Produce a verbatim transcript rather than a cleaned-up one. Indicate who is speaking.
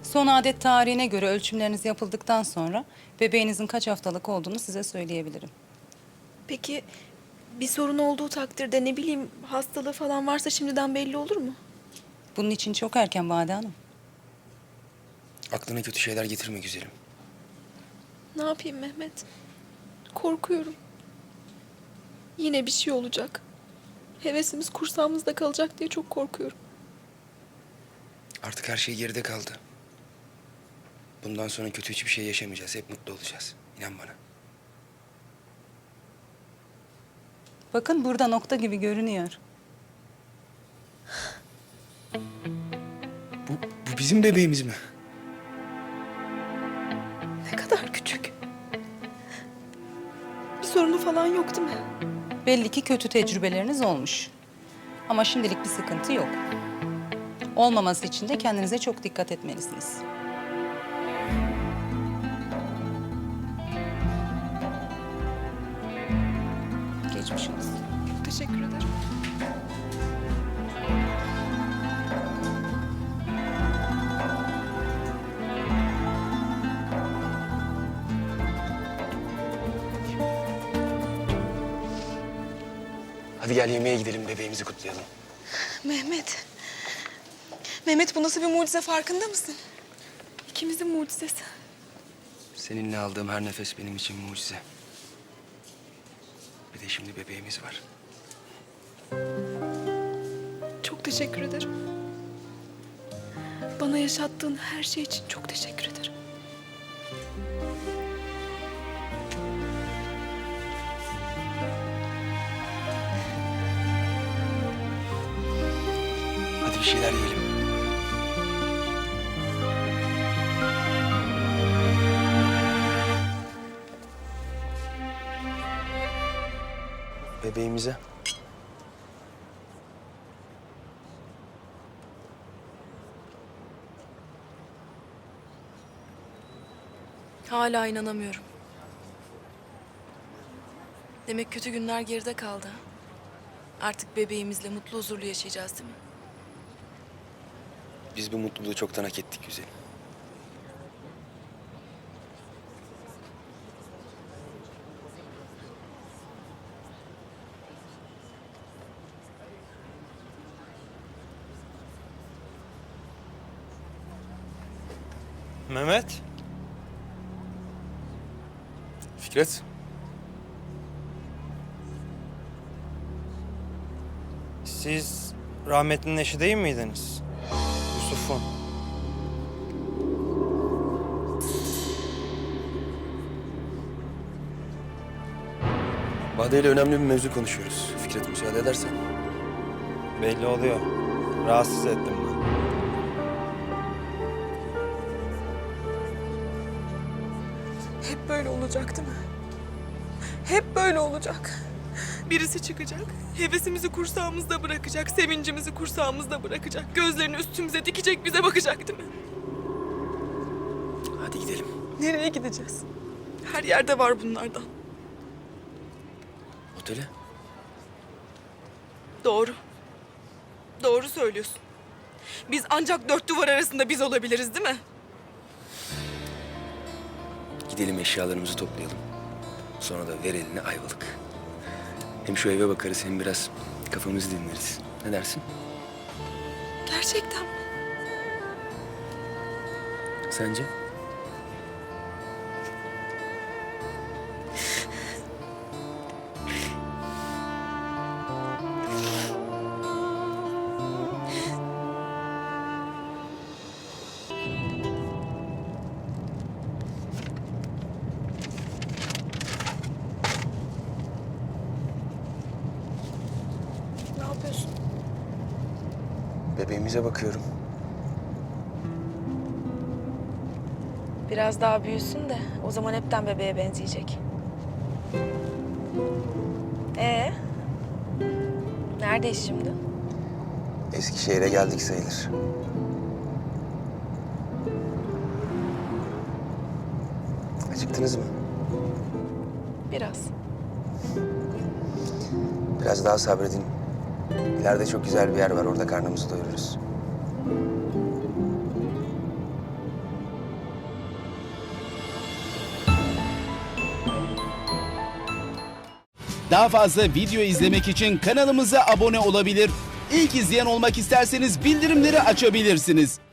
Speaker 1: Son adet tarihine göre ölçümleriniz yapıldıktan sonra bebeğinizin kaç haftalık olduğunu size söyleyebilirim.
Speaker 2: Peki bir sorun olduğu takdirde ne bileyim hastalığı falan varsa şimdiden belli olur mu?
Speaker 1: Bunun için çok erken Bade Hanım.
Speaker 3: Aklına kötü şeyler getirme güzelim.
Speaker 2: Ne yapayım Mehmet? Korkuyorum. Yine bir şey olacak. Hevesimiz kursağımızda kalacak diye çok korkuyorum.
Speaker 3: Artık her şey geride kaldı. Bundan sonra kötü hiçbir şey yaşamayacağız. Hep mutlu olacağız. İnan bana.
Speaker 1: Bakın burada nokta gibi görünüyor.
Speaker 3: Bu, bu bizim bebeğimiz mi?
Speaker 2: Ne kadar küçük. Bir sorunu falan yok değil mi?
Speaker 1: Belli ki kötü tecrübeleriniz olmuş. Ama şimdilik bir sıkıntı yok. Olmaması için de kendinize çok dikkat etmelisiniz. Geçmiş olsun.
Speaker 2: Teşekkür ederim.
Speaker 3: Hadi gel yemeğe gidelim, bebeğimizi kutlayalım.
Speaker 2: Mehmet. Mehmet bu nasıl bir mucize farkında mısın? İkimizin mucizesi.
Speaker 3: Seninle aldığım her nefes benim için mucize. Bir de şimdi bebeğimiz var.
Speaker 2: Çok teşekkür ederim. Bana yaşattığın her şey için çok teşekkür ederim.
Speaker 3: Hadi bir şeyler yiyelim. Bebeğimize.
Speaker 4: Hala inanamıyorum. Demek kötü günler geride kaldı. Artık bebeğimizle mutlu huzurlu yaşayacağız değil mi?
Speaker 3: Biz bu mutluluğu çoktan hak ettik güzelim.
Speaker 5: Mehmet.
Speaker 3: Fikret.
Speaker 5: Siz rahmetlinin eşi değil miydiniz? Yusuf'un.
Speaker 3: Bade ile önemli bir mevzu konuşuyoruz. Fikret müsaade edersen.
Speaker 5: Belli oluyor. Rahatsız ettim ben.
Speaker 2: Hep böyle olacak değil mi? Hep böyle olacak. Birisi çıkacak, hevesimizi kursağımızda bırakacak, sevincimizi kursağımızda bırakacak, gözlerini üstümüze dikecek, bize bakacak değil mi?
Speaker 3: Hadi gidelim.
Speaker 2: Nereye gideceğiz? Her yerde var bunlardan.
Speaker 3: Otele.
Speaker 2: Doğru. Doğru söylüyorsun. Biz ancak dört duvar arasında biz olabiliriz değil mi?
Speaker 3: Gidelim eşyalarımızı toplayalım. Sonra da ver eline Ayvalık. Hem şu eve bakarız hem biraz kafamızı dinleriz. Ne dersin?
Speaker 2: Gerçekten mi?
Speaker 3: Sence?
Speaker 2: Ne yapıyorsun?
Speaker 3: Bebeğimize bakıyorum.
Speaker 4: Biraz daha büyüsün de o zaman hepten bebeğe benzeyecek. Ee? Neredeyiz şimdi?
Speaker 3: Eskişehir'e geldik sayılır. Acıktınız mı?
Speaker 4: Biraz.
Speaker 3: Biraz daha sabredin. İleride çok güzel bir yer var. Orada karnımızı doyururuz.
Speaker 6: Daha fazla video izlemek için kanalımıza abone olabilir. İlk izleyen olmak isterseniz bildirimleri açabilirsiniz.